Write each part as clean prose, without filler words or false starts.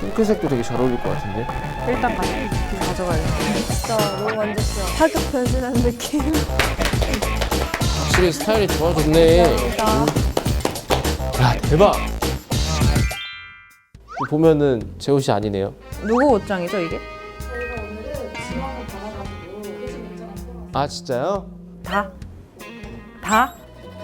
핑크색도 되게 잘 어울릴 것 같은데? 일단 가져가요. 진짜 너무 만족해요. 파격 변신한 느낌. 확실히 스타일이 좋아졌네. 야, 대박! 보면은 제 옷이 아니네요. 누구 옷장이죠 이게? 저희가 오늘은 지망을 받아가지고 회식 일정을 풀어. 아, 진짜요? 다? 다?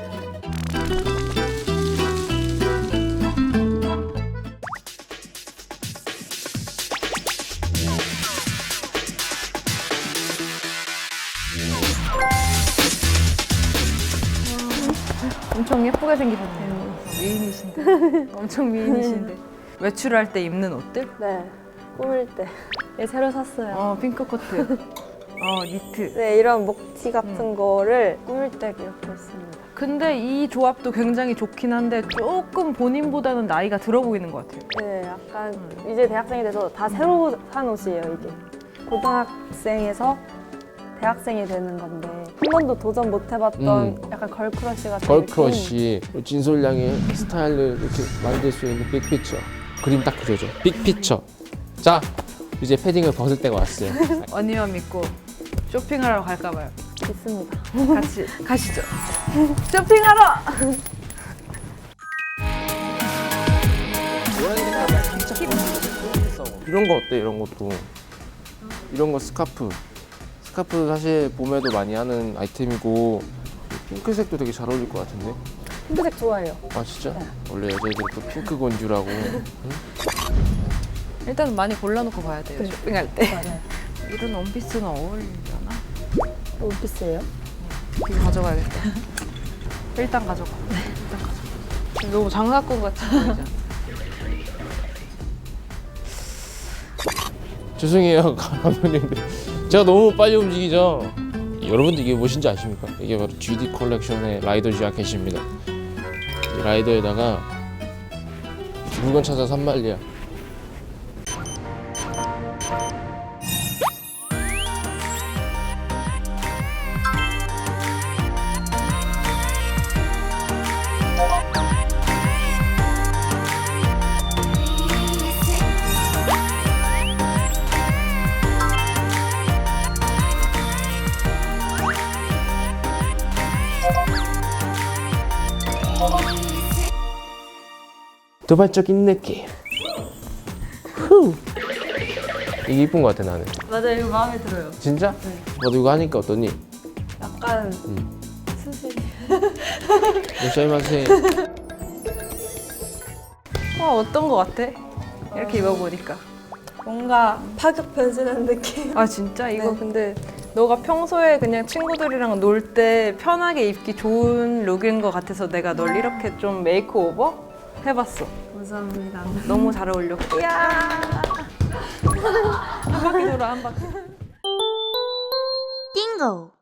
엄청 예쁘게 생기셨네요. 미인이신데. 엄청 미인이신데. 외출할 때 입는 옷들? 네, 꾸밀 때. 예, 새로 샀어요. 핑크 코트. 니트. 네, 이런 목티 같은 거를 꾸밀 때 이렇게 했습니다. 근데 이 조합도 굉장히 좋긴 한데 조금 본인보다는 나이가 들어 보이는 것 같아요. 네, 약간 이제 대학생이 돼서 다 새로 산 옷이에요, 이게. 고등학생에서 대학생이 되는 건데 한 번도 도전 못 해봤던 약간 걸크러쉬 같은 걸크러쉬, 진솔양의 스타일을 이렇게 만들 수 있는 빅피처. 그림 딱 그려줘. 빅피처. 자, 이제 패딩을 벗을 때가 왔어요. 언니만 믿고 쇼핑하러 갈까 봐요. 느낌 있습니다. 같이 가시죠. 쇼핑하러! 이런 거 어때? 이런 것도. 이런 거 스카프. 스카프 사실 봄에도 많이 하는 아이템이고 핑크색도 되게 잘 어울릴 것 같은데? 핑크색 좋아해요. 아 진짜? 원래 여자애들이 또 핑크 건주라고. 일단 많이 골라놓고 봐야 돼요. 쇼핑할 때. 맞아요. 이런 원피스는 어울리려나? 원피스예요? 이거 가져가야겠다. 일단 가져가. 일단 가져가. 너무 장사꾼 같이 보이잖아. 죄송해요 감독님들. 제가 너무 빨리 움직이죠? 여러분들 이게 무엇인지 아십니까? 이게 바로 GD 컬렉션의 라이더 자켓입니다. 이 라이더에다가 물건 찾아 산말리야. 도발적인 느낌. 후. 이게 이쁜 것 같아 나는. 맞아요, 이거 마음에 들어요. 진짜? 너도 이거 하니까 어떠니? 약간 수시. 요샤이마세. 어떤 거 같아? 이렇게 입어보니까. 뭔가 파격 변신한 느낌. 아 진짜? 이거 네. 근데 너가 평소에 그냥 친구들이랑 놀 때 편하게 입기 좋은 룩인 것 같아서 내가 널 이렇게 좀 메이크오버 해봤어. 감사합니다. 너무 잘 어울렸고. 이야. 한 바퀴 돌아 한 바퀴. 띵고